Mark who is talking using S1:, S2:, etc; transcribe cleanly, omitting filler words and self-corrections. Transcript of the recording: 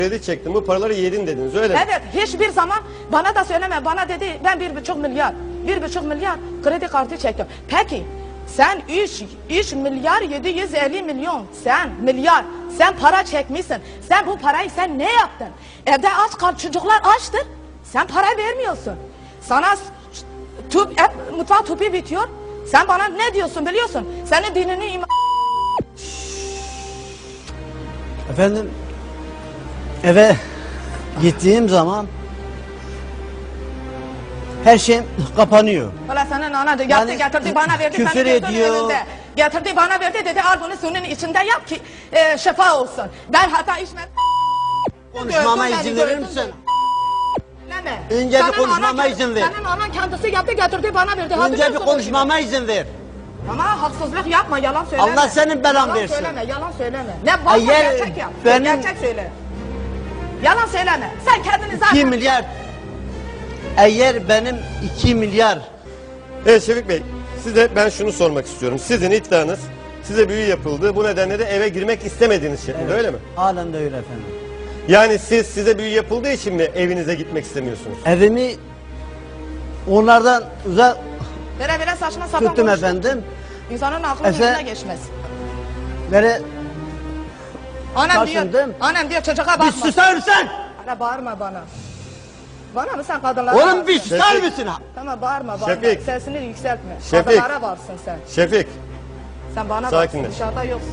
S1: Kredi çektim, bu paraları yedin dediniz, öyle mi?
S2: Evet, hiçbir zaman bana da söyleme. Bana dedi ben 1,5 milyar kredi kartı çektim. Peki sen 3 milyar 750 milyon sen para çekmişsin. Sen bu parayı sen ne yaptın? Evde aç kal, çocuklar açtır. Sen para vermiyorsun. Sana mutfak tüpü bitiyor. Sen bana ne diyorsun biliyorsun? Senin dinini
S3: Efendim, eve gittiğim zaman her şey kapanıyor.
S2: Valla senin ana yaptı,
S3: Yani
S2: getirdi bana verdi.
S3: küfür
S2: seni götürdü
S3: ediyor.
S2: önünde. Getirdi bana verdi dedi al bunu suyun içinde yap ki şifa olsun. Ben hatta içmedim.
S3: Konuşmama
S2: Gördün
S3: izin
S2: beni,
S3: verir
S2: gördün
S3: misin?
S2: Dinleme.
S3: Önce bir
S2: Senin
S3: konuşmama
S2: anan-
S3: izin ver.
S2: Senin anan kendisi yaptı getirdi bana verdi. Ha,
S3: Önce bir
S2: biliyorsun
S3: konuşmama izin ver.
S2: ama haksızlık yapma, yalan söyleme.
S3: Allah senin belan
S2: Yalan
S3: versin.
S2: söyleme, yalan söyleme. Ne varsa
S3: Eğer
S2: gerçek yap.
S3: benim-
S2: Gerçek söyle. Yalan söyleme. Sen kendini
S3: 2
S2: zaten...
S3: milyar. Eğer benim 2 milyar.
S1: Evet Şefik Bey, size ben şunu sormak istiyorum. Sizin iddianız, size büyü yapıldı, bu nedenle de eve girmek istemediğiniz şeklinde, öyle mi?
S3: Halen de öyle efendim.
S1: Yani size büyü yapıldığı için mi evinize gitmek istemiyorsunuz?
S3: Evimi onlardan uzak
S2: Böyle saçma sapan
S3: tuttum
S2: konuşma.
S3: efendim.
S2: İnsanın aklının önüne geçmez.
S3: Böyle
S2: Annem diyor,
S3: taşındım.
S2: annem diyor çocuğa bakma.
S3: bir susar mısın?
S2: Hala bağırma bana. Bana mı sen kadınlara
S3: Oğlum
S2: varsın?
S3: bir susar
S1: Şefik.
S3: mısın?
S2: Tamam bağırma.
S1: Şefik.
S2: Sesini yükseltme.
S1: Şefik.
S2: Kadınlara varsın sen.
S1: Şefik,
S2: Sen bana
S1: Sakinleş.
S2: varsın, dışarıda yoksun.